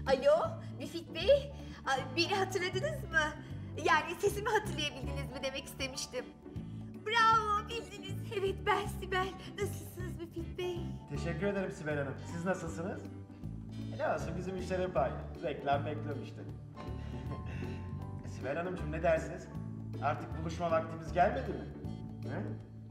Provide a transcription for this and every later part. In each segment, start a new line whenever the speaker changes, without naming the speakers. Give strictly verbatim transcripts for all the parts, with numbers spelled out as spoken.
Alo, Müfit Bey. Ay, beni hatırladınız mı? Yani sesimi hatırlayabildiniz mi demek istemiştim. Bravo, bildiniz. Evet, ben Sibel. Nasılsınız Müfit Bey?
Teşekkür ederim Sibel Hanım. Siz nasılsınız? Ne olsun bizim işler hep aynı. Reklam bekliyorum işte. Sibel Hanımcığım ne dersiniz? Artık buluşma vaktimiz gelmedi mi? He?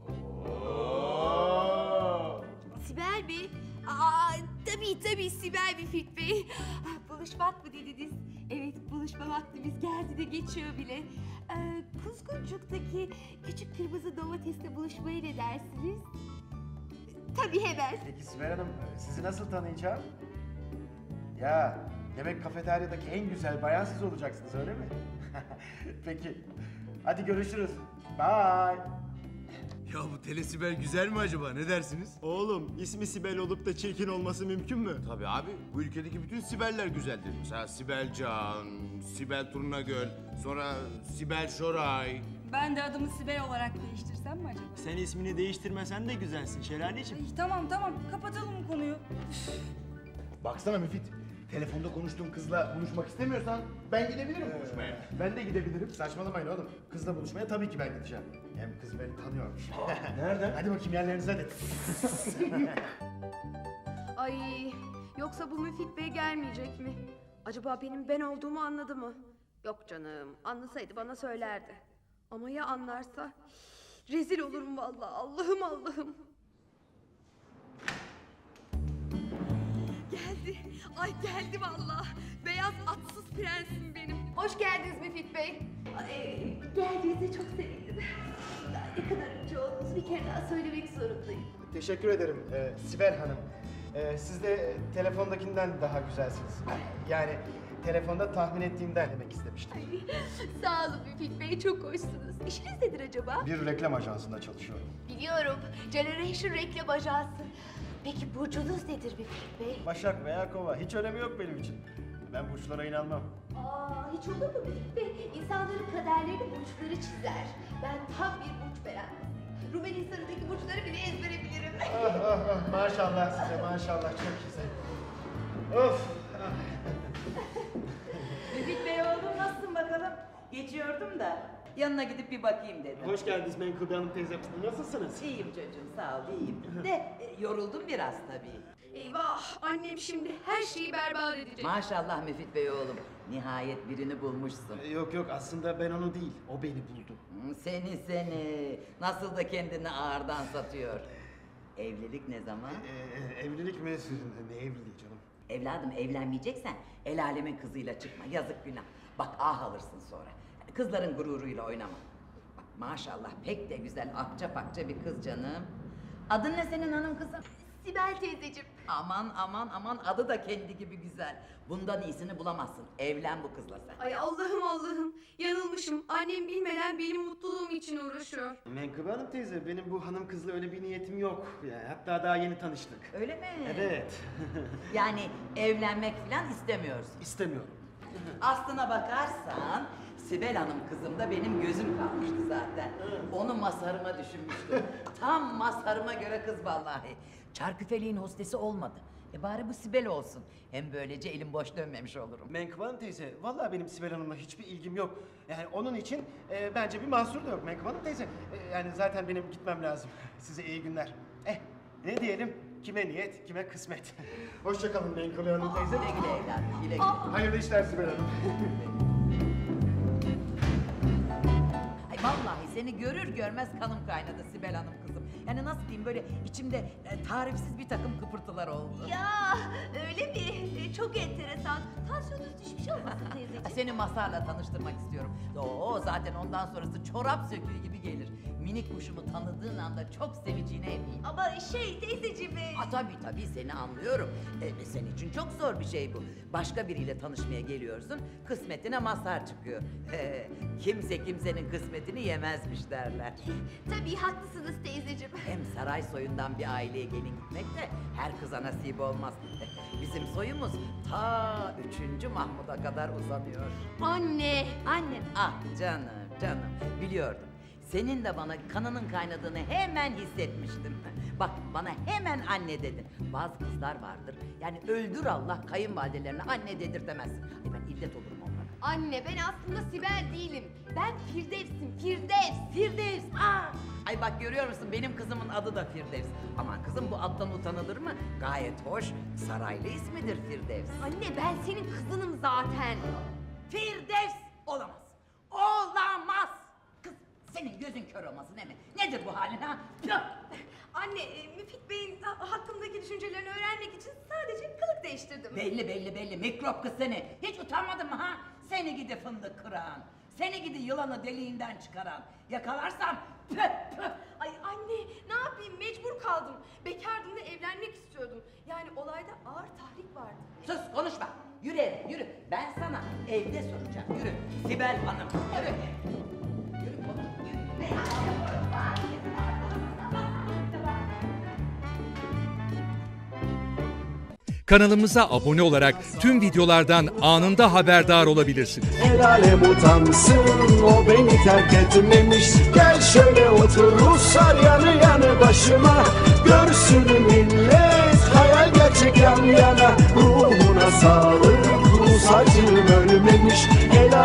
Oo!
Sibel mi? Aa, tabii tabii Sibel Müfit Bey. Ah, buluşmak mı dediniz? Evet, buluşma vaktimiz geldi de geçiyor bile. Ee, Kuzguncuk'taki küçük kırmızı domatesle buluşmaya ne dersiniz? Tabii hemen.
Peki Sibel Hanım sizi nasıl tanıyacağım? Ya demek kafeteryadaki en güzel bayan siz olacaksınız öyle mi? Peki. Hadi görüşürüz. Bye.
Ya bu telesibel güzel mi acaba? Ne dersiniz?
Oğlum ismi Sibel olup da çirkin olması mümkün mü?
Tabii abi. Bu ülkedeki bütün Sibeller güzeldir. Mesela Sibel Can, Sibel Turnagöl, sonra Sibel Şoray.
Ben de adımı Sibel olarak değiştirsem mi acaba?
Sen ismini değiştirmesen de güzelsin Şelaleciğim.
Ay, tamam tamam kapatalım bu konuyu.
Baksana Müfit. Telefonda konuştuğum kızla buluşmak istemiyorsan ben gidebilirim buluşmaya.
Ben de gidebilirim. Saçmalamayın oğlum. Kızla buluşmaya tabii ki ben gideceğim. Hem kız beni tanıyormuş.
Nereden?
Hadi bakayım yerlerinize hadi.
Ay, yoksa bu Müfit Bey gelmeyecek mi? Acaba benim ben olduğumu anladı mı? Yok canım, anlasaydı bana söylerdi. Ama ya anlarsa? Rezil olurum vallahi. Allah'ım Allah'ım.
Geldi. Ay geldi vallahi. Beyaz atsız prensim benim.
Hoş geldiniz Müfit Bey.
Ay, geldiğinize çok sevindim. Ne kadar önce olduğunuzu bir kere daha söylemek zorundayım.
Teşekkür ederim e, Sibel Hanım. E, siz de telefondakinden daha güzelsiniz. Yani telefonda tahmin ettiğimden demek istemiştim.
Ay, sağ olun Müfit Bey, çok hoşsunuz. İşiniz nedir acaba?
Bir reklam ajansında çalışıyorum.
Biliyorum, Generation Reklam Ajansı. Peki burcunuz nedir Müfit Bey?
Başak veya Kova hiç önemi yok benim için. Ben burçlara inanmam.
Aa, hiç olur mu Müfit Bey? İnsanların kaderlerini burçları çizer. Ben tam bir burç beğendim. Rumeli Hisarı'ndaki burçları bile ezbere bilirim.
Ah ah ah maşallah size maşallah çok güzel. Of. Ah.
Müfit Bey oğlum nasılsın bakalım? Geçiyordum da yanına gidip bir bakayım dedim.
Hoş geldiniz Menkıbe Hanım teyze. Nasılsınız?
İyiyim çocuğum sağ ol iyiyim. De e, yoruldum biraz tabii.
Eyvah, annem şimdi her şeyi berbat edecek.
Maşallah Müfit Bey oğlum. Nihayet birini bulmuşsun.
E, Yok yok aslında ben onu değil o beni buldu.
Hı, Seni seni. Nasıl da kendini ağırdan satıyor. Evlilik ne zaman?
Ee, evlilik mi? Ne evliliği canım?
Evladım evlenmeyeceksen el alemin kızıyla çıkma. Yazık günah. Bak ah alırsın sonra. Kızların gururuyla oynama. Bak maşallah pek de güzel akça pakça bir kız canım. Adın ne senin hanım kızım?
Sibel teyzeciğim.
Aman aman aman adı da kendi gibi güzel. Bundan iyisini bulamazsın. Evlen bu kızla sen.
Ay Allah'ım Allah'ım. Yanılmışım. Annem bilmeden benim mutluluğum için uğraşıyor.
Menkıbe Hanım teyze benim bu hanım kızla öyle bir niyetim yok. Yani hatta daha yeni tanıştık.
Öyle mi?
Evet.
Yani evlenmek falan istemiyorsun.
İstemiyorum.
Aslına bakarsan Sibel Hanım kızım da benim gözüm kalmıştı zaten. Onu masarıma düşünmüştüm. Tam masarıma göre kız vallahi. Çarküfeliğin hostesi olmadı. E bari bu Sibel olsun. Hem böylece elim boş dönmemiş olurum.
Menkıbe Hanım teyze vallahi benim Sibel Hanım'la hiçbir ilgim yok. Yani onun için e, bence bir mahsur da yok Menkıbe Hanım teyze. E, yani zaten benim gitmem lazım. Size iyi günler. Eh ne diyelim? Kime niyet, kime kısmet. Hoşça kalın Menkıbe Hanım teyze.
Güle güle evladım, güle güle.
Hayırlı işler Sibel Hanım.
Ay vallahi seni görür görmez kanım kaynadı Sibel Hanım kızım. Yani nasıl diyeyim böyle içimde e, tarifsiz bir takım kıpırtılar oldu.
Ya öyle mi? E, Çok enteresan. Tansiyonunuz düşmüş olmasın teyzeciğim?
Seni Masar'la tanıştırmak istiyorum. Oo zaten ondan sonrası çorap söküğü gibi gelir. Minik kuşumu tanıdığın anda çok seveceğine eminim.
Ama şey teyzeciğim... e,
Aa, tabii tabii seni anlıyorum. Ee, senin için çok zor bir şey bu. Başka biriyle tanışmaya geliyorsun, kısmetine Masar çıkıyor. Ee, kimse kimsenin kısmetini yemezmiş derler.
Tabii haklısınız teyzeciğim.
Hem saray soyundan bir aileye gelin gitmek de her kıza nasip olmaz. Bizim soyumuz ta üçüncü Mahmud'a kadar uzanıyor.
Anne.
Annen ah canım canım biliyordum. Senin de bana kanının kaynadığını hemen hissetmiştim. Bak bana hemen anne dedin. Bazı kızlar vardır. Yani öldür Allah kayınvalidelerine anne dedirtemezsin. Ay ben illet olurum onlara.
Anne ben aslında Sibel değilim. Ben Firdevs'im, Firdevs.
Firdevs. Aa! Ay bak görüyor musun benim kızımın adı da Firdevs. Aman kızım bu addan utanılır mı? Gayet hoş. Saraylı ismidir Firdevs.
Anne ben senin kızınım zaten.
Firdevs olamaz. Olamaz. Kız senin gözün kör olmasın değil mi? Nedir bu halin ha? Tüh!
Anne, e, Müfit Bey'in ha- hakkımdaki düşüncelerini öğrenmek için sadece kılık değiştirdim.
Belli belli belli mikrop kız seni. Hiç utanmadın mı ha? Seni gidi fındık kıran. Seni gidi yılanı deliğinden çıkaran. Yakalarsam püh püh.
Ay anne, ne yapayım? Mecbur kaldım. Bekardım ve evlenmek istiyordum. Yani olayda ağır tahrik vardı.
Sus konuşma. Yürü eve yürü. Ben sana evde soracağım. Yürü. Sibel Hanım. Yürü. Yürü konuş. Yürü.
Kanalımıza abone olarak tüm videolardan anında haberdar olabilirsiniz.
El alem utansın, o beni terk etmemiş. Gel şöyle otur Ruslar yanı yanı başıma. Görsün millet hayal gerçek yan yana. Ruhuna sağlık.